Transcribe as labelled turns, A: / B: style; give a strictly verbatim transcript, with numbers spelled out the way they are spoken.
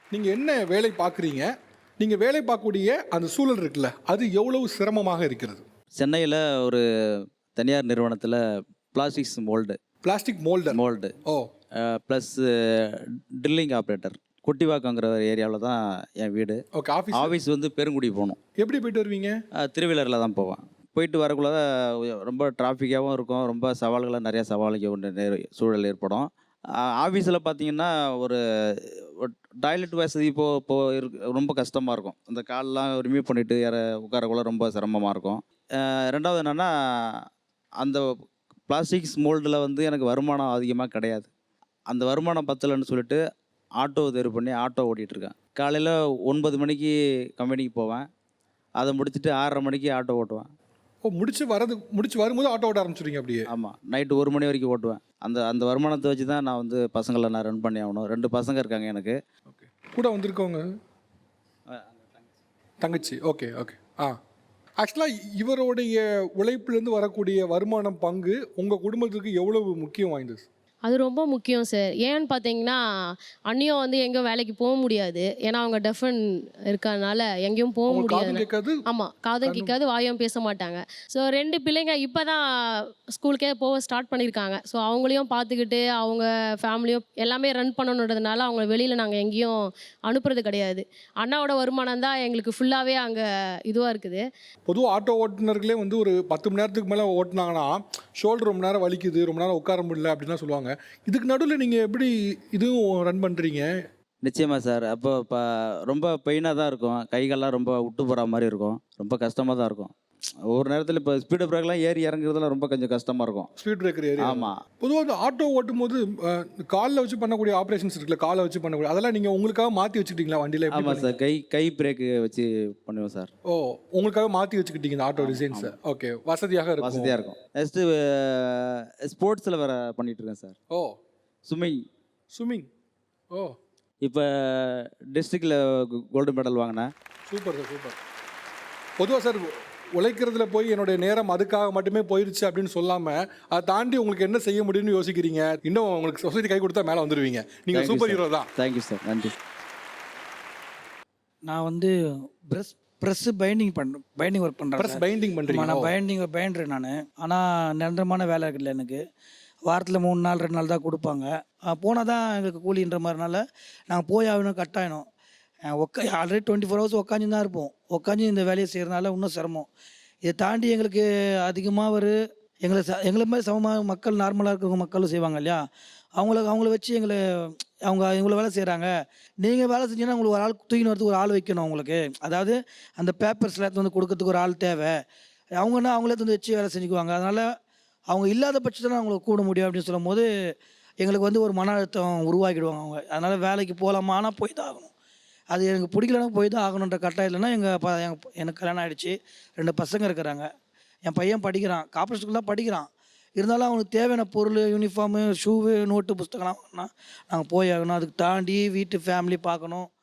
A: நீங்கள் என்ன வேலை பார்க்குறீங்க? நீங்கள் வேலை பார்க்கக்கூடிய அந்த சூழல் இருக்குல்ல, அது எவ்வளவு சிரமமாக இருக்கிறது?
B: சென்னையில் ஒரு தனியார் நிறுவனத்தில் plastics mould
A: plastic moulder.
B: Mould
A: ஓ
B: ப்ளஸ் ட்ரில்லிங் ஆப்ரேட்டர் குட்டிவாக்கங்கிற ஒரு ஏரியாவில் தான் என் வீடு.
A: ஓகே. ஆஃபீஸ்
B: ஆஃபீஸ் வந்து பெருங்குடி போகணும்.
A: எப்படி போயிட்டு வருவீங்க?
B: திருவிழரில் தான் போவேன். போயிட்டு வரக்குள்ள ரொம்ப டிராஃபிக்காகவும் இருக்கும், ரொம்ப சவால்களாக நிறையா சவாலுக்கு சூழல் ஏற்படும். ஆஃபீஸில் பார்த்தீங்கன்னா ஒரு டாய்லெட் வசதி இப்போ இப்போ இருக்கு, ரொம்ப கஷ்டமாக இருக்கும். அந்த கால்லாம் ரிமூவ் பண்ணிவிட்டு யார உட்காரக்குள்ள ரொம்ப சிரமமாக இருக்கும். ரெண்டாவது என்னென்னா, அந்த பிளாஸ்டிக்ஸ் மோல்டில் வந்து எனக்கு வருமானம் அதிகமாக கிடையாது. அந்த வருமானம் பத்தலைன்னு சொல்லிட்டு ஆட்டோ தேர்வு பண்ணி ஆட்டோ ஓட்டிகிட்ருக்கேன். காலையில் ஒன்பது மணிக்கு கம்பெனிக்கு போவேன், அதை முடிச்சுட்டு ஆறரை மணிக்கு ஆட்டோ ஓட்டுவேன்.
A: ஓ, முடிச்சு வரது முடிச்சு வரும்போது ஆட்டோ ஓட்ட ஆரம்பிச்சிடுங்க அப்படியே?
B: ஆமாம், நைட்டு ஒரு மணி வரைக்கும் ஓட்டுவேன். அந்த அந்த வருமானத்தை வச்சு தான் நான் வந்து பசங்களை நான் ரன் பண்ணி ஆகணும். ரெண்டு பசங்க இருக்காங்க எனக்கு.
A: ஓகே. கூட வந்திருக்கவங்க தங்கச்சி. Okay okay. ஆ, ஆக்சுவலாக இவருடைய உழைப்பிலேருந்து வரக்கூடிய வருமானம் பங்கு உங்கள் குடும்பத்துக்கு எவ்வளவு முக்கியம் வாய்ந்தது?
C: அது ரொம்ப முக்கியம் சார். ஏன்னு பார்த்தீங்கன்னா, அண்ணியும் வந்து எங்கேயும் வேலைக்கு போக முடியாது. ஏன்னா அவங்க டெஃபன் இருக்கறனால எங்கேயும் போக
A: காது
C: முடியாது.
A: கேட்காது.
C: ஆமாம், காதும் கேட்காது, வாயும் பேச மாட்டாங்க. ஸோ ரெண்டு பிள்ளைங்க இப்போ தான் ஸ்கூலுக்கே போக ஸ்டார்ட் பண்ணியிருக்காங்க. ஸோ அவங்களையும் பார்த்துக்கிட்டு அவங்க ஃபேமிலியும் எல்லாமே ரன் பண்ணணுன்றதுனால அவங்க வெளியில் நாங்கள் எங்கேயும் அனுப்புறது கிடையாது. அண்ணாவோட வருமானம் தான் எங்களுக்கு ஃபுல்லாகவே அங்கே இதுவாக இருக்குது.
A: பொதுவாக ஆட்டோ ஓட்டுநர்களே வந்து ஒரு பத்து மணி நேரத்துக்கு மேலே ஓட்டினாங்கன்னா ஷோல்டர் ரொம்ப நேரம் வலிக்குது, ரொம்ப நேரம் உட்கார முடியல அப்படின்லாம் சொல்லுவாங்க. இதுக்கு நடுவில் நீங்கள் எப்படி இதுவும் ரன் பண்ணுறீங்க?
B: நிச்சயமாக சார். அப்போ இப்போ ரொம்ப பெயினாக தான் இருக்கும், கைகள்லாம் ரொம்ப விட்டு போகிற மாதிரி இருக்கும், ரொம்ப கஷ்டமாக தான் இருக்கும். ஒவ்வொரு நேரத்தில் இப்போ ஸ்பீடு பிரேக்லாம் ஏறி இறங்குறதுலாம் ரொம்ப கொஞ்சம் கஷ்டமாக இருக்கும்.
A: Speed breaker area.
B: ஆமாம்.
A: பொதுவாக அந்த ஆட்டோ ஓட்டும் போது காலில் வச்சு பண்ணக்கூடிய ஆப்ரேஷன்ஸ் இருக்குல்ல, காலை வச்சு பண்ணக்கூடிய அதெல்லாம் நீங்கள் உங்களுக்காக மாற்றி வச்சுக்கிட்டீங்களா வண்டியில்?
B: ஆமாம் சார், கை கை பிரேக்கு வச்சு பண்ணுவோம் சார்.
A: ஓ, உங்களுக்காக மாற்றி வச்சுக்கிட்டீங்க இந்த ஆட்டோ டிசைன்ஸ். ஓகே, வசதியாக இருக்கும்.
B: வசதியாக இருக்கும். நெக்ஸ்ட்டு ஸ்போர்ட்ஸில் வேறு பண்ணிகிட்ருக்கேன் சார்.
A: ஓ,
B: ஸ்விம்மிங்.
A: ஸ்விம்மிங். ஓ,
B: இப்போ டிஸ்ட்ரிக்டில் கோல்டு மெடல் வாங்கினேன்.
A: Super sir, super. பொதுவாக சார் உழைக்கிறதுல போய் என்னுடைய நேரம் அதுக்காக மட்டுமே போயிடுச்சு அப்படின்னு சொல்லாமல் அதை தாண்டி உங்களுக்கு என்ன செய்ய முடியும்னு யோசிக்கிறீங்க. இன்னும் உங்களுக்கு சொசைட்டி கை கொடுத்தா மேலே வந்துடுவீங்க. நீங்கள் சூப்பர் ஹீரோ தான்.
B: தேங்க்யூ சார், நன்றி.
D: நான் வந்து ப்ரெஸ் ப்ரெஸ்ஸு பைண்டிங் பண்ணுறேன், பைண்டிங் ஒர்க் பண்ணுறேன்.
A: ப்ரெஸ் பைண்டிங் பண்ணுறீங்க?
D: நான் பைண்டிங் பைண்டர் நான். ஆனால் நிரந்தரமான வேலை இருக்குல்ல எனக்கு. வாரத்தில் மூணு நாள் ரெண்டு நாள் தான் கொடுப்பாங்க. போனால் தான் எங்களுக்கு கூலின்ற மாதிரினால நாங்கள் போய் ஆகணும், கட்டாயணும். உக்கா ஆல்ரெடி டுவெண்ட்டி ஃபோர் ஹவர்ஸ் உட்காந்து தான் இருப்போம். உட்காந்து இந்த வேலையை செய்கிறதுனால இன்னும் சிரமம். இதை தாண்டி எங்களுக்கு அதிகமாக ஒரு எங்களை ச எங்களை மாதிரி சமமாக மக்கள் நார்மலாக இருக்கிறவங்க மக்களும் செய்வாங்க இல்லையா, அவங்கள அவங்கள வச்சு எங்களை அவங்க இவ்வளோ வேலை செய்கிறாங்க, நீங்கள் வேலை செஞ்சீங்கன்னா உங்களுக்கு ஒரு ஆள் தூக்கின்னு வரதுக்கு ஒரு ஆள் வைக்கணும் அவங்களுக்கு. அதாவது அந்த பேப்பர்ஸில் எடுத்து வந்து கொடுக்கறதுக்கு ஒரு ஆள் தேவை. அவங்கன்னா அவங்களே வந்து வச்சு வேலை செஞ்சுக்குவாங்க. அதனால் அவங்க இல்லாத பட்சத்தில் அவங்கள கூட முடியும் அப்படின்னு சொல்லும் போது எங்களுக்கு வந்து ஒரு மன அழுத்தம் உருவாக்கிடுவாங்க அவங்க. அதனால் வேலைக்கு போகலாமா, ஆனால் போய் தான் ஆகணும். அது எனக்கு பிடிக்கலன்னா போய் தான் ஆகணுன்ற கட்டாயம். இல்லைன்னா எங்கள் ப எங்கள் எனக்கு கல்யாணம் ஆகிடுச்சு, ரெண்டு பசங்க இருக்கிறாங்க. என் பையன் படிக்கிறான், கார்ப்பரேட் ஸ்கூல் தான் படிக்கிறான். இருந்தாலும் அவனுக்கு தேவையான பொருள், யூனிஃபார்மு, ஷூவு, நோட்டு, புஸ்தகம்லாம் வாங்கினா நாங்கள் போய் ஆகணும். அதுக்கு தாண்டி வீட்டு ஃபேமிலி பார்க்கணும்.